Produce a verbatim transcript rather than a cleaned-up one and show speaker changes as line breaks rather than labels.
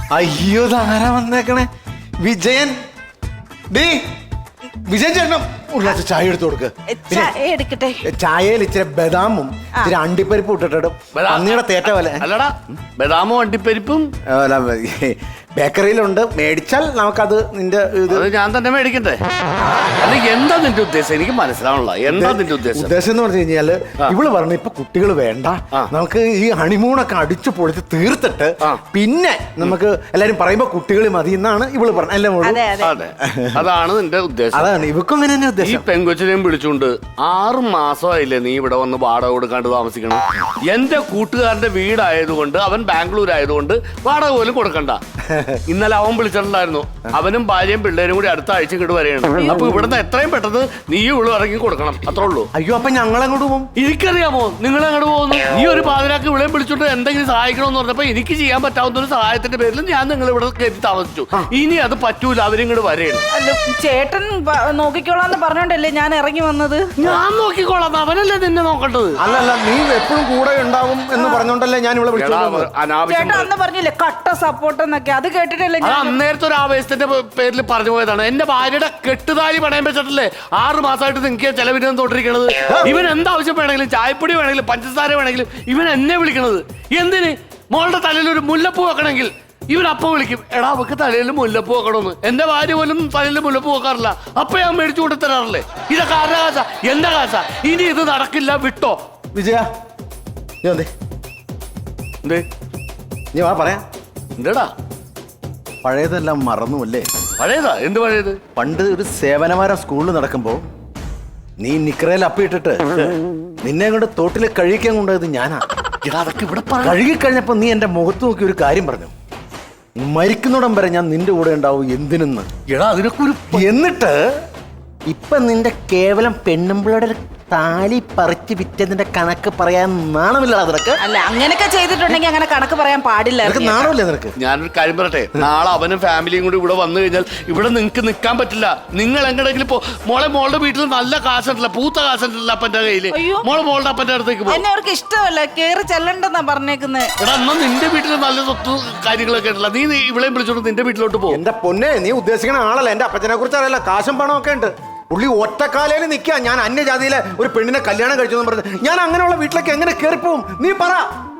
അയ്യോ താരാ വന്നേക്കണേ വിജയൻ. ഡീ വിജയൻ ചേട്ടനും ഒരു ഗ്ലാസ് ചായ എടുത്തു കൊടുക്ക്.
എടുക്കട്ടെ.
ചായയിൽ ഇച്ചിരി ബദാമും ഇച്ചിരി അണ്ടിപ്പരിപ്പും ഇട്ടിട്ടും പന്നിയുടെ തേറ്റ പോലെ.
അല്ലടാ ബദാമും അണ്ടിപ്പരിപ്പും
ബേക്കറിയിലുണ്ട്, മേടിച്ചാൽ നമുക്കത് നിന്റെ ഇത്
ഞാൻ തന്നെ മേടിക്കണ്ടേ? അല്ലെങ്കിൽ എന്താ നിന്റെ ഉദ്ദേശം? എനിക്ക് മനസ്സിലാവണല്ലോ. എന്താ നിന്റെ ഉദ്ദേശം?
ഉദ്ദേശം എന്ന് പറഞ്ഞു കഴിഞ്ഞാല് ഇവള് പറഞ്ഞു ഇപ്പൊ കുട്ടികൾ വേണ്ട, നമുക്ക് ഈ ഹണിമൂണൊക്കെ അടിച്ചു പൊളിച്ച് തീർത്തിട്ട് പിന്നെ നമുക്ക് എല്ലാരും പറയുമ്പോ കുട്ടികൾ മതി എന്നാണ് ഇവള് പറഞ്ഞത്. അല്ലേ മോള്?
അതെ, അതാണ് നിന്റെ ഉദ്ദേശം.
അതാണ് ഇവക്കും അങ്ങനെ തന്നെ
ഈ പെങ്കൊച്ചിനെയും വിളിച്ചുകൊണ്ട് ആറ് മാസമായില്ലേ നീ ഇവിടെ വന്ന് വാടക കൊടുക്കാണ്ട് താമസിക്കണം. എന്റെ കൂട്ടുകാരന്റെ വീടായതുകൊണ്ട് അവൻ ബാംഗ്ലൂർ ആയതുകൊണ്ട് വാടക പോലും കൊടുക്കണ്ട. ഇന്നലെ അവൻ വിളിച്ചിട്ടുണ്ടായിരുന്നു. അവനും ഭാര്യയും പിള്ളേരും കൂടി അടുത്ത ആഴ്ച ഇങ്ങോട്ട് വരെയാണ്. അപ്പൊ ഇവിടുന്ന് എത്രയും പെട്ടെന്ന് നീ ഇവിടെ ഇറങ്ങി കൊടുക്കണം, അത്രേ ഉള്ളൂ.
അയ്യോ അപ്പൊ ഞങ്ങൾ അങ്ങോട്ട് പോകും.
എനിക്കറിയാമോ നിങ്ങൾ അങ്ങോട്ട് പോകുന്നു. നീ ഒരു പാതിരാക്ക് ഇവിടെ വിളിച്ചോണ്ട് എന്തെങ്കിലും സഹായിക്കണമെന്ന് പറഞ്ഞപ്പോ എനിക്ക് ചെയ്യാൻ പറ്റാവുന്ന ഒരു സഹായത്തിന്റെ പേരിൽ ഞാൻ നിങ്ങൾ ഇവിടെ കയറ്റി താമസിച്ചു. ഇനി അത് പറ്റൂല, അവരിങ്ങോട്ട് വരെയാണ്.
ചേട്ടൻ നോക്കിക്കോളാന്ന് പറഞ്ഞോണ്ടല്ലേ ഞാൻ ഇറങ്ങി വന്നത്.
ഞാൻ നോക്കിക്കോളാം, അവനല്ലേ നിന്നെ നോക്കേണ്ടത്.
അല്ലല്ല, നീ എപ്പോഴും കൂടെ ഉണ്ടാവും എന്ന് പറഞ്ഞോണ്ടല്ലേ ഞാൻ ഇവിടെ വിളിച്ചത്.
ചേട്ടൻ അന്ന് പറഞ്ഞില്ലേ കട്ട സപ്പോർട്ട് എന്നൊക്കെ, അത് കേട്ടിട്ടല്ലേ
അത് അന്നേരത്തെ ഒരു ആവേശത്തിന്റെ പേരിൽ പറഞ്ഞു പോയതാണ്. എന്റെ ഭാര്യയുടെ കെട്ടുതാലി പണയം വെച്ചിട്ടല്ലേ ആറ് മാസമായിട്ട് നിങ്ങൾക്ക് ചെലവിന് തോട്ടിരിക്കണത്. ഇവൻ എന്താവശ്യം വേണമെങ്കിലും, ചായപ്പൊടി വേണമെങ്കിലും, പഞ്ചസാര വേണമെങ്കിലും ഇവൻ എന്നെ വിളിക്കണത്. എന്തിന്? മോളുടെ തലയിൽ ഒരു മുല്ലപ്പൂ വെക്കണമെങ്കിൽ ഇവൻ അപ്പം വിളിക്കും, എടാ അവക്ക് തലയിൽ മുല്ലപ്പൂ വെക്കണമെന്ന്. എന്റെ ഭാര്യ പോലും തലയിൽ മുല്ലപ്പൂ വെക്കാറില്ല. അപ്പൊ ഞാൻ മേടിച്ചു കൊണ്ട് തരാറില്ലേ? ഇതൊക്കെ ആരുടെ കാശ? എന്റെ കാശ. ഇനി ഇത് നടക്കില്ല, വിട്ടോ.
വിജയ
എന്തേ
നീ വാ പറയാ.
എന്താടാ
പഴയതെല്ലാം മറന്നുമല്ലേ?
പഴയതാ? എന്ത് പഴയത്?
പണ്ട് ഒരു സേവനവാരം സ്കൂളിൽ നടക്കുമ്പോ നീ നിക്കറയിൽ അപ്പിയിട്ടിട്ട് നിന്നെ കൊണ്ട് തോട്ടിലെ കഴുകിക്കാൻ കൊണ്ടുപോയത് ഞാനാ.
അതൊക്കെ ഇവിടെ
കഴുകി കഴിഞ്ഞപ്പോ നീ എന്റെ മുഖത്ത് നോക്കി ഒരു കാര്യം പറഞ്ഞു, മരിക്കുന്നിടം വരെ ഞാൻ നിന്റെ കൂടെ ഉണ്ടാവും. എന്തിനെന്ന്?
എടാ അതിനൊക്കെ ഒരു
എന്നിട്ട് ഇപ്പൊ നിന്റെ കേവലം പെണ്ണുമ്പിളുടെ താലി പറിച്ച് വിറ്റതിന്റെ കണക്ക് പറയാൻ നാണമില്ലടാ നിനക്ക്?
അല്ല, അങ്ങനെയൊക്കെ ചെയ്തിട്ടുണ്ടെങ്കിൽ അങ്ങനെ കണക്ക് പറയാൻ പാടില്ല.
നാണമില്ലേ നിനക്ക്?
ഞാനൊരു കാര്യം പറയട്ടെ, നാളെ അവനും ഫാമിലിയും കൂടി ഇവിടെ വന്നു കഴിഞ്ഞാൽ ഇവിടെ നിങ്ങൾക്ക് നിൽക്കാൻ പറ്റില്ല. നിങ്ങൾ എങ്ങനെയെങ്കിലും പോ. മോളെ മോളുടെ വീട്ടിൽ നല്ല കാശുണ്ടല്ല, പൂത്ത കാശുണ്ടല്ല അപ്പന്റെ കയ്യില്. മോളെ മോളുടെ അപ്പന്റെ അടുത്തേക്ക് പോകും.
എന്നെ അവർക്ക് ഇഷ്ടമല്ല, കേറി ചെല്ലണ്ടെന്നാ പറഞ്ഞേക്കുന്നത്.
എടാ എന്നാ നിന്റെ വീട്ടിൽ നല്ല സ്വത്ത് കാര്യങ്ങളൊക്കെ ഉണ്ടല്ല, നീ ഇവിളെയും വിളിച്ചോണ്ട് നിന്റെ വീട്ടിലോട്ട് പോകും.
എന്റെ പൊന്നെ, നീ ഉദ്ദേശിക്കുന്ന ആളല്ല. എന്റെ അപ്പച്ചനെ കുറിച്ച് അറിയില്ല, കാശും പണമൊക്കെ ഉണ്ട്. പുള്ളി ഒറ്റക്കാലയിൽ നിൽക്കുക. ഞാൻ അന്യജാതിയിലെ ഒരു പെണ്ണിനെ കല്യാണം കഴിച്ചു എന്ന് പറഞ്ഞത് ഞാൻ അങ്ങനെയുള്ള വീട്ടിലേക്ക് എങ്ങനെ കയറിപ്പോവും? നീ പറ.